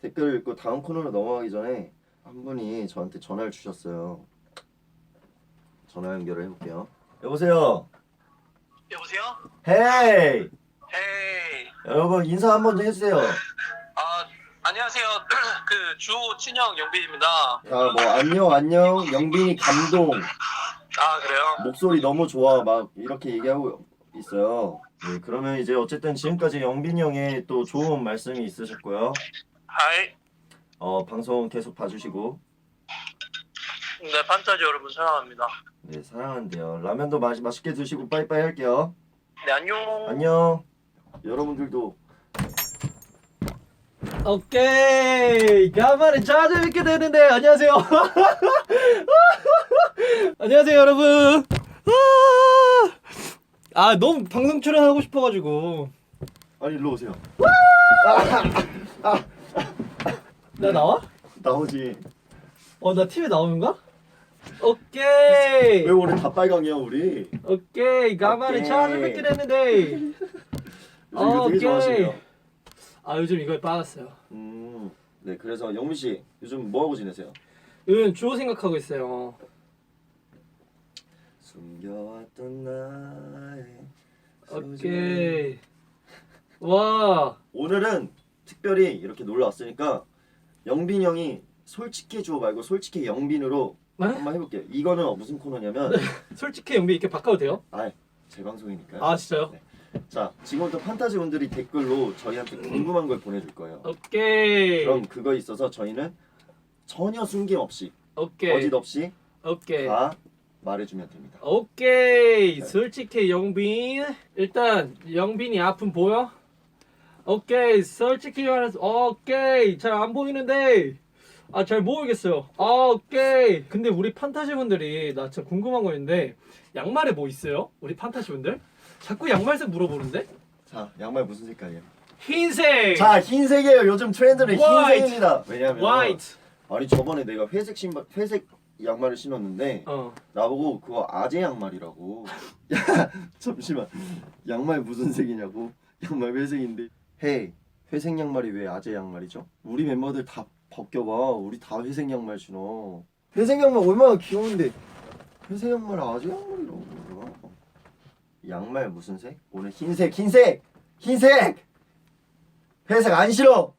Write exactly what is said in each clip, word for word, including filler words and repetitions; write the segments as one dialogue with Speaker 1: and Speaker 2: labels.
Speaker 1: 댓글 읽고 다음 코너로 넘어가기 전에 한 분이 저한테 전화를 주셨어요. 전화 연결을 해볼게요. 여보세요.
Speaker 2: 여보세요?
Speaker 1: 헤이.
Speaker 2: 헤이.
Speaker 1: 여러분 인사 한번 좀 해주세요.
Speaker 2: 아, 안녕하세요. 그 주호 친형 영빈입니다.
Speaker 1: 자, 뭐 안녕 안녕 영빈이 감동
Speaker 2: 아, 그래요?
Speaker 1: 목소리 너무 좋아 막 이렇게 얘기하고 있어요. 네, 그러면 이제 어쨌든 지금까지 영빈이 형의 또 좋은 말씀이 있으셨고요.
Speaker 2: 하이.
Speaker 1: 어 방송 계속 봐주시고.
Speaker 2: 네, 판타지 여러분 사랑합니다.
Speaker 1: 네, 사랑한대요. 라면도 맛 맛있게 드시고 빠이빠이 할게요.
Speaker 2: 네, 안녕.
Speaker 1: 안녕. 여러분들도
Speaker 3: 오케이 간만에 찾아뵙게 되는데 안녕하세요. 안녕하세요 여러분. 아 너무 방송 출연하고 싶어가지고.
Speaker 1: 아니 일로 오세요.
Speaker 3: 나 나와?
Speaker 1: 나오지.
Speaker 3: 어 나 티비에 나오는가? 오케이
Speaker 1: 왜 오늘 다 빨강이야 우리?
Speaker 3: 오케이 간만에
Speaker 1: 오케이.
Speaker 3: 찾아뵙게 됐는데.
Speaker 1: 요즘 이거 되게
Speaker 3: 오케이.
Speaker 1: 좋아하시네요.
Speaker 3: 아 요즘 이거에 빠졌어요.
Speaker 1: 음, 네 그래서 영민 씨 요즘 뭐 하고 지내세요?
Speaker 3: 요즘 주호 생각하고 있어요.
Speaker 1: 숨겨왔던 나의
Speaker 3: 오케이. 와.
Speaker 1: 오늘은 특별히 이렇게 놀러 왔으니까 영빈 형이 솔직해 주어 말고 솔직해 영빈으로
Speaker 3: 네?
Speaker 1: 한번 해볼게요. 이거는 무슨 코너냐면
Speaker 3: 솔직히 영비 이렇게 바꿔도 돼요?
Speaker 1: 아, 제 방송이니까요.
Speaker 3: 아 진짜요?
Speaker 1: 네. 자, 지금부터 판타지 분들이 댓글로 저희한테 궁금한 걸 보내줄 거예요.
Speaker 3: 오케이.
Speaker 1: 그럼 그거에 있어서 저희는 전혀 숨김없이
Speaker 3: 오케이.
Speaker 1: 거짓 없이
Speaker 3: 오케이.
Speaker 1: 다 말해주면 됩니다.
Speaker 3: 오케이. 솔직히 영빈. 일단 영빈이 아픔 보여? 오케이. 솔직히 말해서 오케이. 잘 안 보이는데. 아 잘 모르겠어요. 아 오케이. 근데 우리 판타지 분들이 나 진짜 궁금한 거 있는데 양말에 뭐 있어요? 우리 판타지 분들? 자꾸 양말색 물어보는데?
Speaker 1: 자, 양말 무슨 색깔이에요?
Speaker 3: 흰색.
Speaker 1: 자, 흰색이에요. 요즘 트렌드는
Speaker 3: White.
Speaker 1: 흰색입니다. 왜냐면
Speaker 3: 화이트.
Speaker 1: 아니 저번에 내가 회색 신발, 회색 양말을 신었는데
Speaker 3: 어.
Speaker 1: 나보고 그거 아재 양말이라고. 야, 잠시만. 양말 무슨 색이냐고. 양말 회색인데. 헤이, 회색 양말이 왜 아재 양말이죠? 우리 멤버들 다 벗겨봐. 우리 다 회색 양말 신어. 회색 양말 얼마나 귀여운데. 회색 양말 아재 양말이라고. 그러나? 양말 무슨 색? 오늘 흰색, 흰색, 흰색. 회색 안 싫어.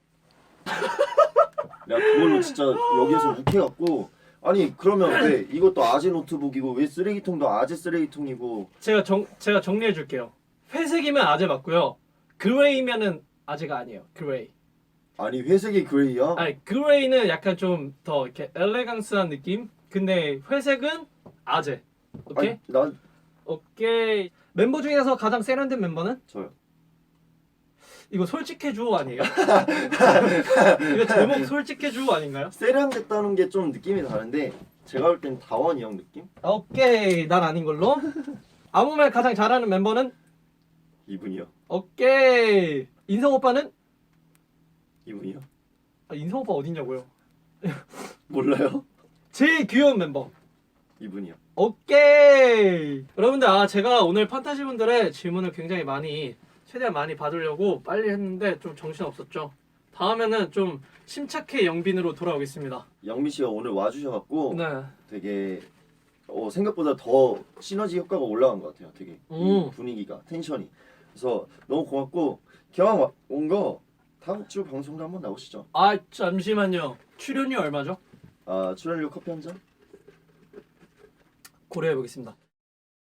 Speaker 1: 내가 그걸로 진짜 여기에서 욱해갖고. 아니 그러면 왜 이것도 아재 노트북이고 왜 쓰레기통도 아재 쓰레기통이고.
Speaker 3: 제가 정 제가 정리해 줄게요. 회색이면 아재 맞고요. 그레이면은 아재가 아니에요. 그레이.
Speaker 1: 아니 회색이 그레이야?
Speaker 3: 아니 그레이는 약간 좀 더 이렇게 엘레강스한 느낌. 근데 회색은 아재. 오케이?
Speaker 1: 아니, 난
Speaker 3: 오케이. 멤버 중에서 가장 세련된 멤버는?
Speaker 1: 저요.
Speaker 3: 이거 솔직해줘 아니에요? 이거 제목 솔직해줘 아닌가요?
Speaker 1: 세련됐다는 게 좀 느낌이 다른데 제가 볼 땐 다원이 형 느낌?
Speaker 3: 오케이. 난 아닌 걸로. 아무 말 가장 잘하는 멤버는?
Speaker 1: 이분이요.
Speaker 3: 오케이. 인성 오빠는?
Speaker 1: 이분이요.
Speaker 3: 아, 인성 오빠 어딨냐고요?
Speaker 1: 몰라요?
Speaker 3: 제일 귀여운 멤버.
Speaker 1: 이분이요.
Speaker 3: 오케이. 여러분들 아 제가 오늘 판타지 분들의 질문을 굉장히 많이 최대한 많이 받으려고 빨리 했는데 좀 정신 없었죠. 다음에는 좀 침착해 영빈으로 돌아오겠습니다.
Speaker 1: 영민 씨가 오늘 와주셔갖고
Speaker 3: 네.
Speaker 1: 되게 어, 생각보다 더 시너지 효과가 올라간 것 같아요. 되게 이
Speaker 3: 음.
Speaker 1: 분위기가 텐션이. 그래서 너무 고맙고 기왕 온 거 다음 주 방송도 한번 나오시죠.
Speaker 3: 아 잠시만요. 출연료 얼마죠?
Speaker 1: 아 출연료 커피 한 잔?
Speaker 3: 고려해 보겠습니다.